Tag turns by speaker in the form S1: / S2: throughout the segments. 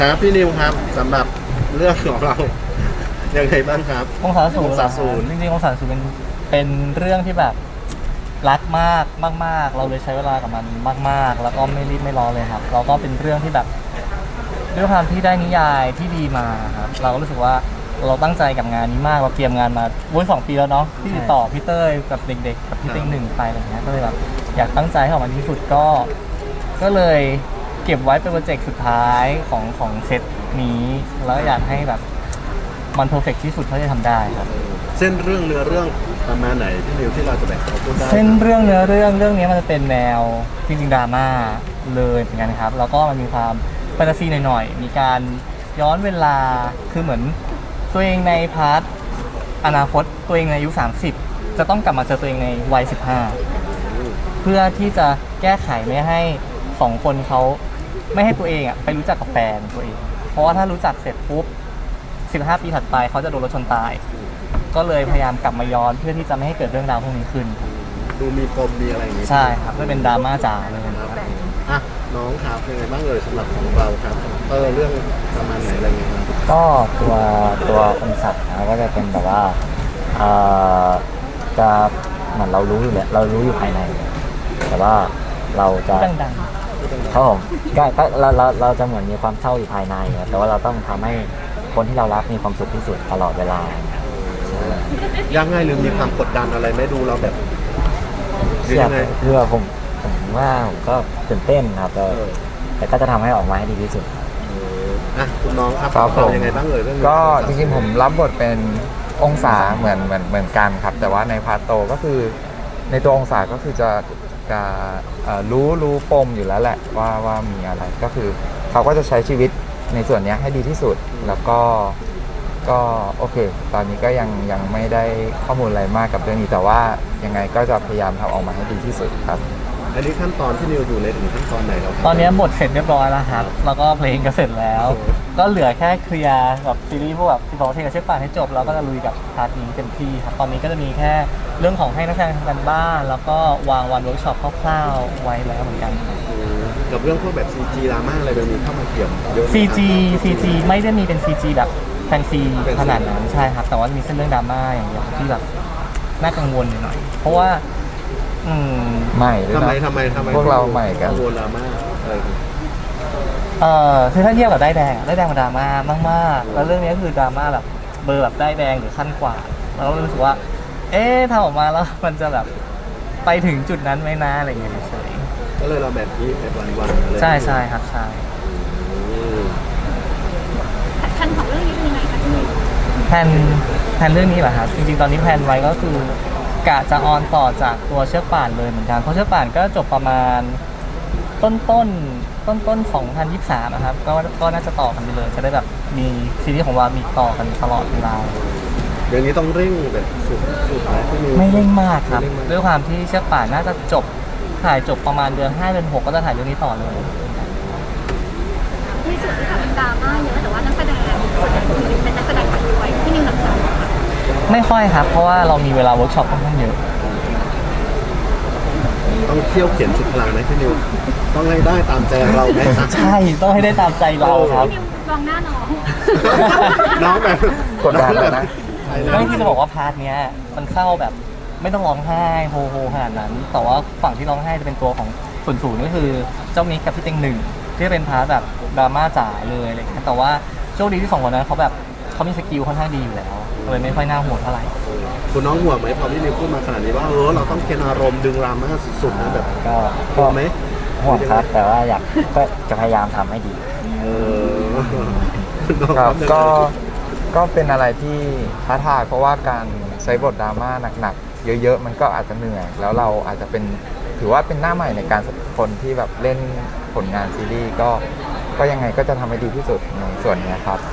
S1: ครับพี่นิวครับสำหรับเรื่องของเรายังไงบ้างครับ
S2: องศาศูนย์
S1: องศาศูนย์
S2: จริงๆองศาศูนย์เป็นเรื่องที่แบบรักมากเราเลยใช้เวลากับมันมากๆแล้วก็ไม่รีบไม่ร้อนเลยครับเราก็เป็นเรื่องที่แบบด้วยความที่ได้นิยายที่ดีมาครับเราก็รู้สึกว่าเราตั้งใจกับงานนี้มากเราเตรียมงานมา2 ปีแล้วเนาะที่ติดต่อพี่เต้ยกับเด็กๆกับพี่เต็งหนึ่งไปอะไรเงี้ยก็เลยแบบอยากตั้งใจให้ออกมาดีที่สุดก็เลยเก็บไว้เป็นโปรเจกต์สุดท้ายของเซตนี้แล้วอยากให้แบบมันเพอร์เฟกที่สุดเท่าที่จะทำได้ครับ
S1: เส้นเรื่องเนื้อเรื่องประมาณไหนพี่นิวที่เราจะแบ่งเขาพูดได้
S2: เส้นเรื่องเนื้อเรื่องนี้มันจะเป็นแนวจริงๆดราม่าเลยเหมือนกันครับแล้วก็มันมีความแฟนตาซีหน่อยๆมีการย้อนเวลาคือเหมือนตัวเองในพาร์ทอนาคตตัวเองในอายุ30จะต้องกลับมาเจอตัวเองในวัย15เพื่อที่จะแก้ไขไม่ให้2 คนเขาไม่ให้ตัวเองไปรู้จักกับแฟนตัวเองเพราะว่าถ้ารู้จักเสร็จปุ๊บ15 ปีถัดไปเขาจะโดนรถชนตายก็เลยพยายามกลับมาย้อนเพื่อที่จะไม่ให้เกิดเรื่องราวพวกนี้ขึ้น
S1: ดูมีปมมีอะไรอย่างงี้
S2: ใช่ครับก็เป็นดราม่าจ๋าเลย
S1: ค
S2: ค
S1: รั
S2: รั
S1: บบ อ่ะน้องครับเป็นไงบ้างเลยสำหรับของเราครับเรื่องประมาณไหนอะไรเงี้ยครับ
S3: ก็ตัวองศานะก็จะเป็นแบบว่าเอ่อจะเหมือนเรารู้อยู่แล้วเรารู้อยู่ภายใน แต่ว่าเราจะ
S2: ดัง
S3: ครับผมก็เราจะเหมือนมีความเศร้าอยู่ภายในอะแต่ว่าเราต้องทำให้คนที่เรารักมีความสุขที่สุดตลอดเวลา
S1: ยากง่ายหรือมีความกดดันอะไรไหม่ดูเราแบบหรือ
S3: เชื่อ
S1: ยังไง
S3: คือว่าผมว่าผมก็ตื่นเต้นครับแต่ก็จะทำให้ออกมาให้ดีที่สุด
S1: อ่ะคุณน้องครับ
S4: ครับผม
S1: เรายังไงบ้างเลยเรื่องนี้
S4: ก็จริงๆผมรับบทเป็นองศาเหมือนกันครับ แต่ว่าในพาร์ทโตก็คือในตัวองศาก็คือจะรู้ปมอยู่แล้วแหละว่ามีอะไรก็คือเขาก็จะใช้ชีวิตในส่วนเนี้ยให้ดีที่สุดแล้วก็โอเค ตอนนี้ก็ยังไม่ได้ข้อมูลอะไรมากกับเรื่องนี้แต่ว่ายังไงก็จะพยายามทำออกมาให้ดีที่สุดครับ
S1: อันนี้ขั้นตอนที่นิวอยู่ในถึงขั้นตอนไหนแล้วครับ
S2: ๆตอนนี้บทเสร็จเรียบร้อยแล้วครับแล้วก็เพลงก็เสร็จแล้ว ก็เหลือแค่เคลียร์กับซีรีส์พวกแบบ12 เพลงกับเชือกป่านให้จบแล้วก็จะลุยกับพาร์ทนี้เต็มที่ครับตอนนี้ก็จะมีแค่เรื่องของให้นักแสดงทำกันบ้านแล้วก็วางวันเวิร์กช็อปคร่าวๆไว้แล้วเหมือนกันครับ
S1: กับเรื่องพวกแบบ CG ดราม่าอะไรแบบนี้เข้ามาเกี่ยวเยอะไหมครับ
S2: CG ไม่ได้มีเป็น CG แบบแฟนซีขนาดนั้นใช่ครับแต่ว่ามีเส้นเรื่องดราม่าอย่างเดียวที่แบบน่ากังวลหน่อยเพราะว่า
S4: ใหม่ด้วย
S1: ทำไม
S4: นะ
S1: ทำไม
S4: พวกเราใหม่กัน
S1: กังวลดราม่าอะไรอย่างเงี้ย
S2: คือถ้าเทียบกับได้ายแดงมันดราม่ามากๆแล้วเรื่องนี้ก็คือดราม่าแบบเบอร์แบบได้ายแดงหรือขั้นกว่าเราก็รู้สึกว่าทำออกมาแล้วมันจะแบบไปถึงจุดนั้นไหมนะอะไรอย่างเงี้ยเฉย
S1: ก็เลยเราแบบนี้แบบวันๆอะไร
S2: ๆใช่ครับใช่
S1: อืม
S5: คันของเรื่องนี้เป็นยังไงคะที่นี่
S2: แพลนเรื่องนี้เหรอครับจริงๆตอนนี้แพลนไว้ก็คือกะจะออนต่อจากตัวเชือกป่านเลยเหมือนกันเพราะเชือกป่านก็จบประมาณต้น2023นะครับก็น่าจะต่อกันไปเลยจะได้แบบมีซีรีส์ของเรามีต่อกันตลอดเวลา
S1: เดี๋ยวนี้ต้องเร่งแบบสุดไหมพี่นิว
S2: ไม่เร่งมากครับ
S1: ไม่เร่งมาก
S2: ด้วยความที่เชือกป่านน่าจะถ่ายจบประมาณเดือน5 เดือน 6ก็จะถ่ายเรื่องนี้ต่อเลย
S5: มีส่วนที่แบบเป็นดราม่าเยอะแต่ว่านักแสดงส่วนใหญ่เป็นนักแสดงคนรวยที่นิวหนักใจค่ะ
S2: ไม่ค่อยครับ เพราะว่าเรามีเวลาเวิร์กช็อปค่อนข้างเยอะ
S1: ต้องเที่ยวเขียนชุดพลังไหมพี่นิวต้องให้ได้ตามใจเราไหมครับ
S2: ใช่ต้องให้ได้ตามใจเราครับ
S5: พี่นิวมองหน้าน้อง
S1: น้องแบบ
S4: กดดันแล้วนะ
S1: ใช่นะ
S2: ไม่ที่จะบอกว่าพาร์ทเนี้ยมันเศร้าแบบไม่ต้องร้องไห้โฮขนาดนั้น แต่ว่าฝั่งที่ร้องไห้จะเป็นตัวของศูนย์ก็คือเจ้ามิกกับพี่เต็งหนึ่งที่เป็นพาร์ทแบบดราม่าจ๋าเลยอะไรอย่างเงี้ยแต่ว่าโชคดีที่2 คนนั้นเขามีสกิลค่อนข้างดีอยู่แล้วเลยไม่ค่อยน่าห่วงเท่าไหร่
S1: คุณน้องห่วงไหมพอพี่นิวพูดมาขนาดนี้ว่าเราต้องเค้นอารมณ์ดึงดราม่าสุดๆนะแบบ
S3: ก็
S1: กลัวไหม
S3: ห่วงครับแต่ว่าก็จะพยายามทำให้ดี
S1: เออน้อง
S4: ครับ
S1: ยังไง
S4: ก็เป็นอะไรที่ท้าทายเพราะว่าการใช้บทดราม่าหนักๆเยอะๆมันก็อาจจะเหนื่อยแล้วเราอาจจะเป็นถือว่าเป็นหน้าใหม่ในการคนที่แบบเล่นผลงานซีรีส์ก็ยังไงก็จะทำให้ดีที่สุดในส่วนนี้ครับ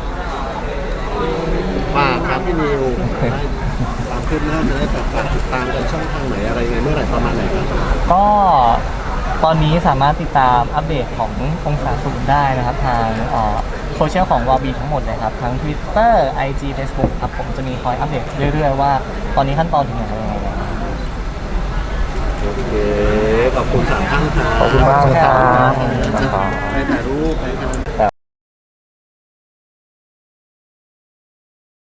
S1: ฝากครับพี่นิวตามขึ้นหน้าจะได้ฝากติดตามกันช่องทางไหนอะไรยังไงเมื่อไหร่ประมาณไหนครับ
S2: ก็ตอนนี้สามารถติดตามอัปเดตขององศาศูนย์ได้นะครับทางโซเชียลของวาบีทั้งหมดเลยครับทั้ง Twitter IG Facebook ครับผมจะมีคอยอัปเดตเรื่อยๆว่าตอนนี้ขั้นตอนถึงไหนยังไงแล้ว
S1: โอเคขอบคุณ3 ท่านครับ
S4: ขอบคุณมากเลยครับ
S1: ไปถ่ายรูปไปครับ